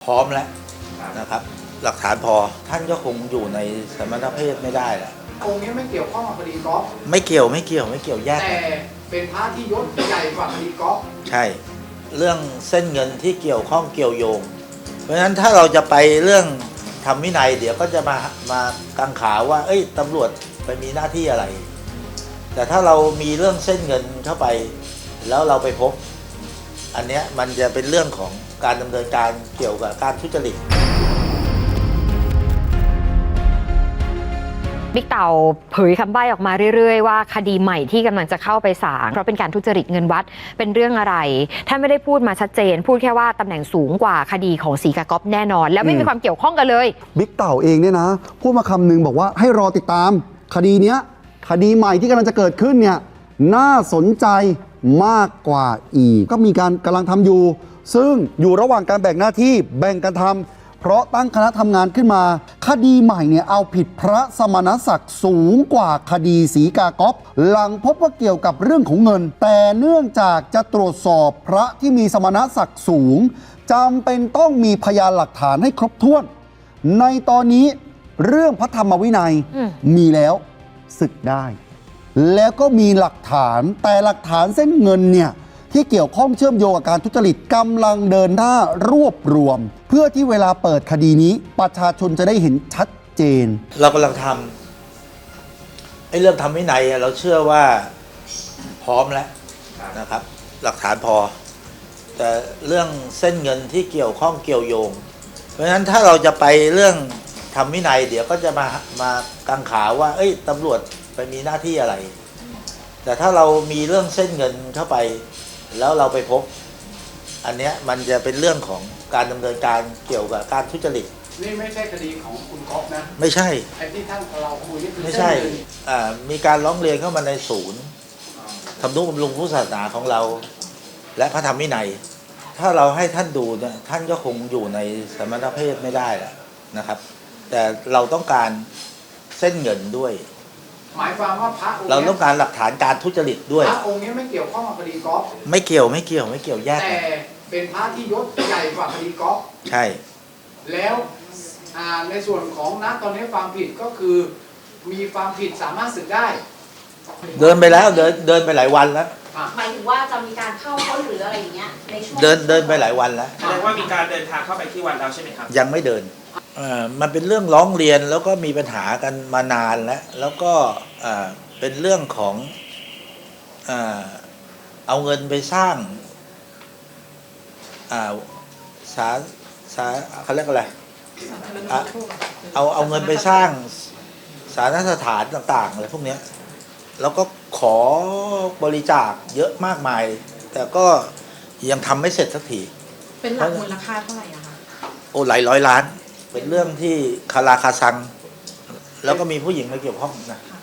ร้อมแล้วนะครับหลักฐานพอท่านก็คงอยู่ในสมณเพศไม่ได้แหละองค์นี้ไม่เกี่ยวข้องกับคดีกอล์ฟไม่เกี่ยวแยกแต่เป็นพระที่ยศใหญ่กว่าคดีกอล์ฟใช่เรื่องเส้นเงินที่เกี่ยวข้องเกี่ยวโยงเพราะฉะนั้นถ้าเราจะไปเรื่องทำวินัยเดี๋ยวก็จะมากังขาว่าตำรวจไปมีหน้าที่อะไรแต่ถ้าเรามีเรื่องเส้นเงินเข้าไปแล้วเราไปพบอันเนี้ยมันจะเป็นเรื่องของการดำเนินการเกี่ยวกับการทุจริตบิ๊กเต่าเผยคำใบ้ออกมาเรื่อยๆว่าคดีใหม่ที่กำลังจะเข้าไปศาลเพราะเป็นการทุจริตเงินวัดเป็นเรื่องอะไรท่านไม่ได้พูดมาชัดเจนพูดแค่ว่าตำแหน่งสูงกว่าคดีของศรีกาก๊อฟแน่นอนแล้วไม่มีความเกี่ยวข้องกันเลยบิ๊กเต่าเองเนี่ยนะพูดมาคำนึงบอกว่าให้รอติดตามคดีเนี้ยคดีใหม่ที่กำลังจะเกิดขึ้นเนี่ยน่าสนใจมากกว่าอีกก็มีการกำลังทำอยู่ซึ่งอยู่ระหว่างการแบ่งหน้าที่แบ่งกันทำเพราะตั้งคณะทำงานขึ้นมาคดีใหม่เนี่ยเอาผิดพระสมณศักดิ์สูงกว่าคดีศรีกาก๊อฟหลังพบว่าเกี่ยวกับเรื่องของเงินแต่เนื่องจากจะตรวจสอบพระที่มีสมณศักดิ์สูงจำเป็นต้องมีพยานหลักฐานให้ครบถ้วนในตอนนี้เรื่องพระธรรมวินัยมีแล้วศึกได้แล้วก็มีหลักฐานแต่หลักฐานเส้นเงินเนี่ยที่เกี่ยวข้องเชื่อมโยงกับการทุจริตกำลังเดินหน้ารวบรวมเพื่อที่เวลาเปิดคดีนี้ประชาชนจะได้เห็นชัดเจนเรากำลังทำเรื่องทำวินัยเราเชื่อว่าพร้อมแล้วนะครับหลักฐานพอแต่เรื่องเส้นเงินที่เกี่ยวข้องเกี่ยวโยงเพราะฉะนั้นถ้าเราจะไปเรื่องทำวินัยเดี๋ยวก็จะมากังขาว่าตำรวจไปมีหน้าที่อะไรแต่ถ้าเรามีเรื่องเส้นเงินเข้าไปแล้วเราไปพบอันเนี้ยมันจะเป็นเรื่องของการดำเนินการเกี่ยวกับการทุจริตนี่ไม่ใช่คดีของคุณก๊อฟนะไม่ใช่ไอ้ที่ท่านเราคุยนี่คือไม่ใช่มีการร้องเรียนเข้ามาในศูนย์ทำนุบำรุงพุทธศาสนาของเราและพระธรรมวินัยถ้าเราให้ท่านดูเนี่ยท่านก็คงอยู่ในสมณเพศไม่ได้แหละนะครับแต่เราต้องการเส้นเงินด้วยหมายความว่าพระองค์เราต้องการหลักฐานการทุจริตด้วยพระองค์นี้ไม่เกี่ยวข้องกับคดีกอล์ฟไม่เกี่ยวแยกแต่เป็นพระที่ยศใหญ่กว่าคดีกอล์ฟใช่แล้วในส่วนของตอนนี้ความผิดก็คือมีความผิดสามารถสึกได้เดินไปแล้วเดินไปหลายวันแล้วหมายถึงว่าจะมีการเข้าค้นหรืออะไรอย่างเงี้ยในช่วงเดินไปหลายวันแล้วแสดงว่ามีการเดินทางเข้าไปที่วัดแล้วใช่ไหมครับยังไม่เดินมันเป็นเรื่องร้องเรียนแล้วก็มีปัญหากันมานานแล้วก็เป็นเรื่องของเอาเงินไปสร้างเขาเรียกอะไรเอาเงินไปสร้างสาธารณสถานต่างๆอะไรพวกนี้แล้วก็ขอบริจาคเยอะมากมายแต่ก็ยังทำไม่เสร็จสักทีเป็นหลักมูลค่าเท่าไหร่อะคะหลายร้อยล้านเป็นเรื่องที่คาราคาซังแล้วก็มีผู้หญิงมาเกี่ยวข้องนะ